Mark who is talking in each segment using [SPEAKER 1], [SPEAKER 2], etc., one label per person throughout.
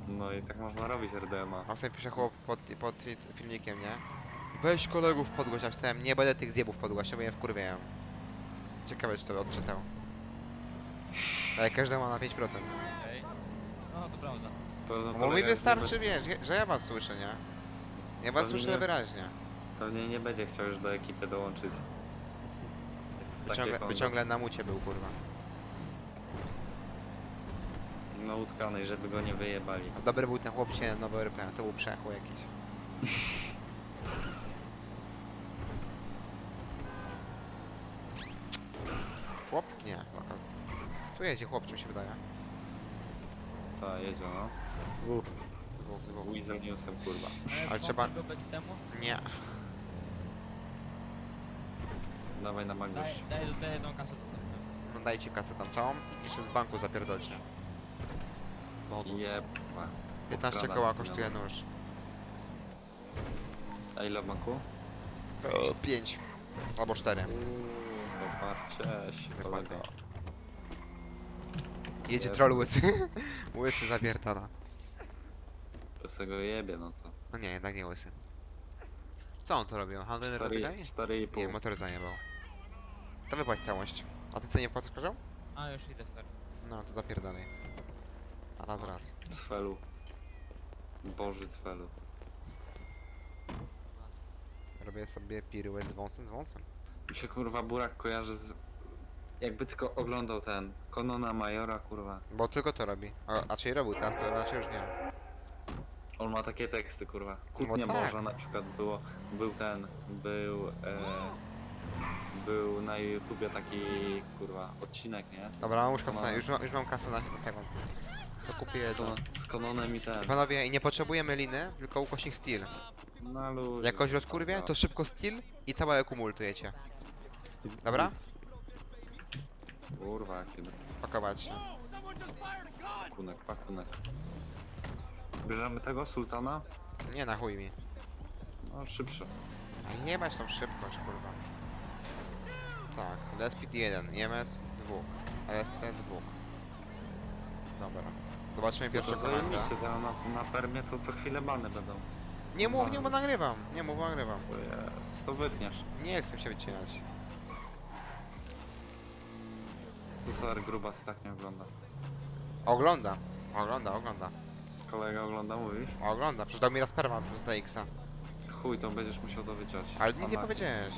[SPEAKER 1] No i tak można robić RDMA.
[SPEAKER 2] A sobie pisze chłop pod filmikiem, nie? Weź kolegów podgłoś, napisałem, nie będę tych zjebów podgłaszał, bo je wkurwiają. Ciekawe, czy to odczytał. Ale każdy ma na 5%.
[SPEAKER 3] Okej. No to prawda.
[SPEAKER 1] Pewno
[SPEAKER 2] Bo mi
[SPEAKER 1] kolega
[SPEAKER 2] wystarczy, wiesz, że ja was słyszę, nie? Ja was
[SPEAKER 1] Pewnie
[SPEAKER 2] słyszę
[SPEAKER 1] nie.
[SPEAKER 2] wyraźnie.
[SPEAKER 1] Pewnie nie będzie chciał już do ekipy dołączyć. Takie
[SPEAKER 2] By ciągle na mucie był, kurwa.
[SPEAKER 1] No utkanej, żeby go nie wyjebali.
[SPEAKER 2] A dobry był ten chłop dzisiaj na nowy RP, to był przechół jakiś. Chłop? Nie, lokalcy. Tu jedzie chłop, czym się wydaje.
[SPEAKER 1] Ta jedzie no.
[SPEAKER 2] Dwóch.
[SPEAKER 1] Weasel newsem kurwa.
[SPEAKER 2] Ale trzeba-
[SPEAKER 3] Go bez temu?
[SPEAKER 2] Nie.
[SPEAKER 1] Dawaj na Magnusz.
[SPEAKER 3] Daj jedną kasę do sobie.
[SPEAKER 2] No dajcie kasę tam całą i jeszcze z banku zapierdolcie. Bonus.
[SPEAKER 1] Jeba.
[SPEAKER 2] 15
[SPEAKER 1] Podkradam
[SPEAKER 2] koła
[SPEAKER 1] pieniądze.
[SPEAKER 2] kosztuje nóż.
[SPEAKER 1] A ile w banku?
[SPEAKER 2] 5. Albo 4.
[SPEAKER 1] Poparcie się
[SPEAKER 2] Wypłacaj.
[SPEAKER 1] kolego.
[SPEAKER 2] Jedzie
[SPEAKER 1] Jezu.
[SPEAKER 2] troll łysy. Łysy zapierdala.
[SPEAKER 1] To se go jebie no co.
[SPEAKER 2] No nie, jednak nie łysy. Co on to robił? Handel narkotykami?
[SPEAKER 1] 4,5.
[SPEAKER 2] Nie, motor zajebał. To wypłać całość. A ty co nie wpłacasz kozioł?
[SPEAKER 3] A już idę, sorry.
[SPEAKER 2] No, to zapierdalaj. A raz.
[SPEAKER 1] Cfelu. Boży cfelu.
[SPEAKER 2] Robię sobie piruet z wąsem.
[SPEAKER 1] Mi się kurwa Burak kojarzy z... Jakby tylko oglądał ten Konona Majora kurwa.
[SPEAKER 2] Bo tylko to robi. A czy robił teraz, to znaczy już nie.
[SPEAKER 1] On ma takie teksty kurwa. Kłótnia
[SPEAKER 2] No tak.
[SPEAKER 1] morza na przykład było. Był na YouTubie taki kurwa odcinek, nie?
[SPEAKER 2] Dobra, już, kasę,
[SPEAKER 1] No.
[SPEAKER 2] już mam kasę na tego. To kupię jedno.
[SPEAKER 1] Z Kononem i ten.
[SPEAKER 2] Panowie, i nie potrzebujemy liny, tylko ukośnik steel.
[SPEAKER 1] Na luzie.
[SPEAKER 2] Jak kogoś rozkurwie, to szybko steel i całe ekumultujecie. Dobra?
[SPEAKER 1] Kurwa, jaki
[SPEAKER 2] Pakować się.
[SPEAKER 1] pakunek. Bierzemy tego sultana?
[SPEAKER 2] Nie, na chuj mi.
[SPEAKER 1] No szybsze.
[SPEAKER 2] A jebać tą szybkość, kurwa. Tak, Lespit 1, EMS 2, LSC 2. Dobra. Zobaczymy pierwszą
[SPEAKER 1] To
[SPEAKER 2] komendę.
[SPEAKER 1] zajebiście, to na permie to co chwilę bany będą.
[SPEAKER 2] Nie mów, bo nagrywam. Nie mów, bo nagrywam.
[SPEAKER 1] To jest, to wytniesz.
[SPEAKER 2] Nie chcę się wycinać.
[SPEAKER 1] Co Solar Grubas tak nie ogląda.
[SPEAKER 2] Ogląda.
[SPEAKER 1] Kolega ogląda, mówisz?
[SPEAKER 2] Ogląda. Przecież dał mi raz perma przez ZX-a.
[SPEAKER 1] Chuj, to będziesz musiał to wyciąć.
[SPEAKER 2] Ale nic nie
[SPEAKER 1] Pana-
[SPEAKER 2] powiedziałeś.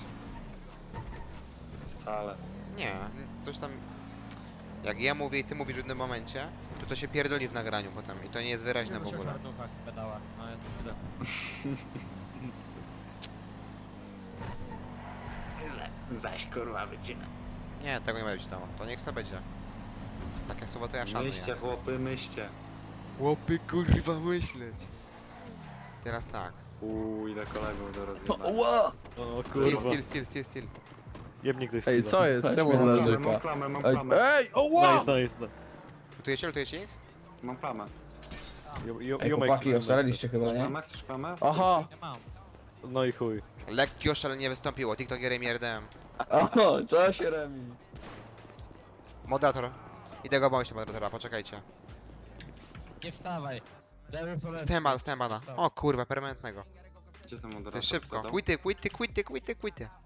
[SPEAKER 1] Wcale.
[SPEAKER 2] Nie, coś tam... Jak ja mówię i ty mówisz w jednym momencie, to się pierdoli w nagraniu potem i to nie jest wyraźne w ogóle.
[SPEAKER 3] W pedałach, no ja to tyle.
[SPEAKER 1] Zaś kurwa wycina.
[SPEAKER 2] Nie, tego nie ma być tam. To niech sobie będzie. Takie słowa to ja szanuję.
[SPEAKER 1] Myślcie chłopy, myślcie.
[SPEAKER 2] Łopy kurwa myśleć. Teraz tak.
[SPEAKER 1] Ile kolegów do rozjebania.
[SPEAKER 4] Ła!
[SPEAKER 5] O
[SPEAKER 2] Steel.
[SPEAKER 5] Jebnik ktoś
[SPEAKER 4] Ej, co jest? Czemu on
[SPEAKER 1] Mam
[SPEAKER 4] narzeka?
[SPEAKER 1] klamę, mam
[SPEAKER 4] Ej,
[SPEAKER 1] klamę.
[SPEAKER 4] ej, o ła!
[SPEAKER 5] Nice.
[SPEAKER 2] Lutujecie ich?
[SPEAKER 1] Mam klamę.
[SPEAKER 4] Ej, chłopaki, oszaleliście chyba,
[SPEAKER 1] Chcesz
[SPEAKER 4] nie?
[SPEAKER 1] klamę? Chcesz klamę?
[SPEAKER 4] Aha!
[SPEAKER 3] Nie mam.
[SPEAKER 5] No i chuj.
[SPEAKER 2] Lekki oszalenie wystąpiło. TikToker i RDM.
[SPEAKER 4] Oho, co się remi?
[SPEAKER 2] Moderator. Idę go bądź moderatora, poczekajcie.
[SPEAKER 3] Nie wstawaj. Lewy po lewej.
[SPEAKER 2] Stembana. O kurwa, permanentnego.
[SPEAKER 1] Gdzie ten
[SPEAKER 2] Ty
[SPEAKER 1] moderator?
[SPEAKER 2] szybko.
[SPEAKER 1] wkładał?
[SPEAKER 2] Quity.